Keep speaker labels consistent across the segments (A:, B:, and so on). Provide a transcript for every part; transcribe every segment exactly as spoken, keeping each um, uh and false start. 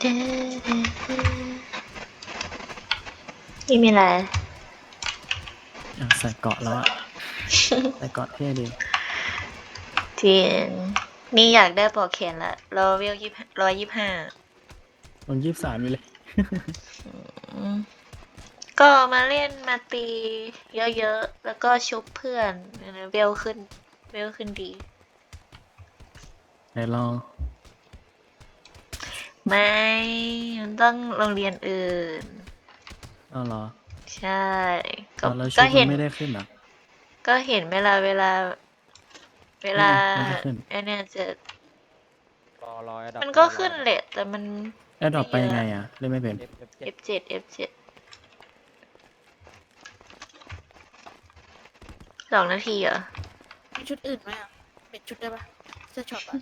A: นี่มีอะไร
B: อ่ะใส่เกาะแล้วอะ ใส่เกาะเท่ดี
A: จริงนี่อยากได้ปลอกแขนละรอเวลยี่ร้อยยี่ห้า
B: ลงยี่สิบสามอยู่เลย
A: ก็มาเล่นมาตีเยอะๆ แล้วก็ชุบเพื่อนเวลขึ้น เวลขึ้นดี
B: ไหนลอง
A: ไม่ มันต้องโรงเรียนอื่น
B: อ้าวเหรอ
A: ใช่ ก็
B: อ้าวแล้วชุ
A: ก็
B: ดมั
A: เห็
B: น
A: น
B: ไม่ได้ขึ้นเหรอ
A: ก็เห็นเวลาเวลา เวลา
B: ไม่ได้ขึ้น
A: ไอ้เนี่ยจะ
C: รอรอ Adopt
A: มันก็ขึ้นแหละ แต่มัน
B: แอดดอปไปยังไงอ่ะ เล่นไม่เป็น
C: F F เจ็ด
A: เอฟ เจ็ด เอฟ เจ็ด สองนาทีเหรอ
D: มีชุดอื่นไหมอ่ะเป็นชุดได้ปะเสื้อช็อปอ่ะ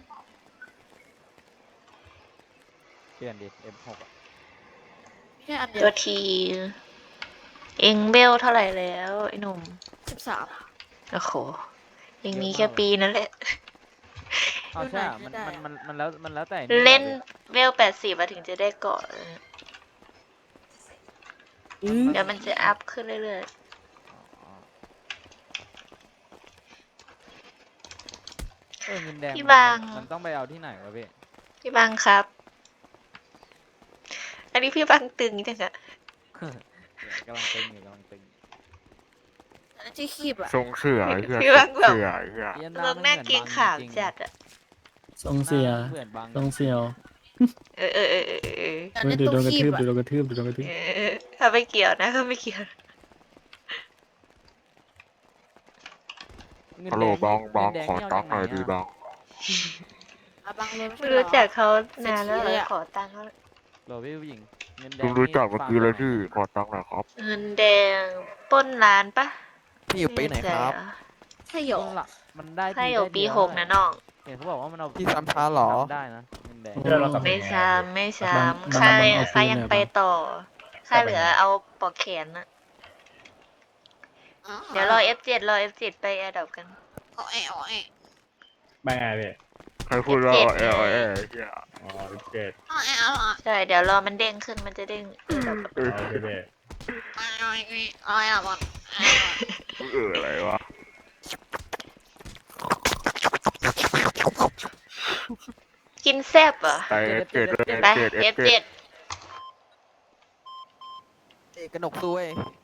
C: เปลี่ยนดิ F หกอะ
D: ไม่ใช่อันเดีย
A: ตัว วที เองเบลเท่าไหร่แล้วไอ้หนุ่ม
D: สิบสาม
A: โอ้โหเองมีแค่ปีนั่นแหละ
C: อ้าวใช่อะ
D: ไม่
C: มัน
D: ได้
C: มัน
D: อะ
C: มันมันแล้วมันแล้วแต่
A: เล่น
C: นี่
A: เวลแปดสิบถึงจะได้เกาะ
D: อืม
A: เดี๋ยวมันจะอัพขึ้นเรื่อย
C: อ๋อเออเงินแดง
A: พี่
C: มัน
A: บาง
C: มันต้องไปเอาที่ไหนวะพี่
A: ๆ พี่บังครับ อันนี้พี่บังตึงจังอะ
C: กำลังตึงอยู่กำลังตึง
D: อันนั้นที่คีบอ่ะ
E: ทรงเสือไอ้เหี้ย
A: พี่
E: ท
A: บั
E: รง ง
A: แบบ
E: เสือไอ้เหี้ย
C: เอียน
A: ลงหน้าเกรงขามจัดอะ
B: ทรงเสีย
C: เหมือนบาง
B: ทรงเสียว
A: เออเออเออเออเออ
D: อัน
B: เฮ้ย
D: นั้น
B: ดู
D: ตั
B: โด
D: วน
B: กระ
D: คี
B: ทื
D: บบ อ่ะ
B: ดูโดนกระทืบดูโดนกระทืบ
A: เออถ้าไม่เกี่ยวนะก็ไม่เกี่ยว
C: เงิน
E: ฮัล
C: แด
E: โหล
C: ง
E: บองบอง
C: เงินแด
E: ขอ
C: นี่
E: ตังค์หน่อย
C: เา
E: ดี
C: จาก
E: บอง
D: อ่ะบางเลยไม่
A: ไม่
D: ใช่เหรอ
A: รู้จักเขานานแล้ว
D: เศรษฐีเลยอะ
A: ขอตังค์เขา
C: โหลพี่ผู้หญิงเงินแด
E: ลุ
C: ง
E: งรู้จัก
C: นี่
E: เมื่อกี้เลย
C: ฟา
E: พี่
C: ร์ม
E: ขอตังค์หน่อยครับ
A: เงินแดงปล้นร้านปะ
F: พี่อยู่ปีไหนครับ
D: ใช่เหร
C: ต
D: อ
C: รงหลักมันได้
A: ใช่
C: ที
A: อยู่
C: ได้
A: ปี
C: เดียว
A: หกนะน้อง
C: เห็นเขาบอกว่ามันเอา
F: พี่ซ้ำช้าเหรอ
C: ทำได้นะเงินแดง
B: เดี๋ยวเรากลับ
A: ไม่ซ้ำไม่ซ้
B: บาง
A: ำ
B: บาง
A: ค่า
B: บางเอา
A: ค่า
B: ปืน
A: ยัง
B: เลย
A: ไป
B: บาง
A: ต่อ ค่าเหลือเอาปลอกแขนนะเดี๋ยวรอ เอฟ เจ็ด รอ เอฟ เจ็ด ไปแอร์ดรอปกัน
D: อ๋อแอะอ๋อแอะ
G: ไม่ไงพี่
E: ใครพูดว่า
A: เจ็ด
E: เออเออเออไอ้เหี้ย
G: อ๋อเจ็ด
D: อ๋อแอะอ๋อแอะ
A: ใช่ เดี๋ยวรอมันเด้งขึ้นมันจะเด้ง Airdrop
E: เออ
G: โอเคพี่
D: อ๋อแอะอ๋อแอะอ๋อแอะบอล
E: เอออะไรวะ
A: กินแซ่บเหรอ
E: ไปเจ็ดเลย
A: ไป
E: เจ็ดเอ
A: เอ
E: ฟ
A: ฟ
E: เจ็
A: เจ็
E: ด
A: ด
F: เอกกระหนกซวย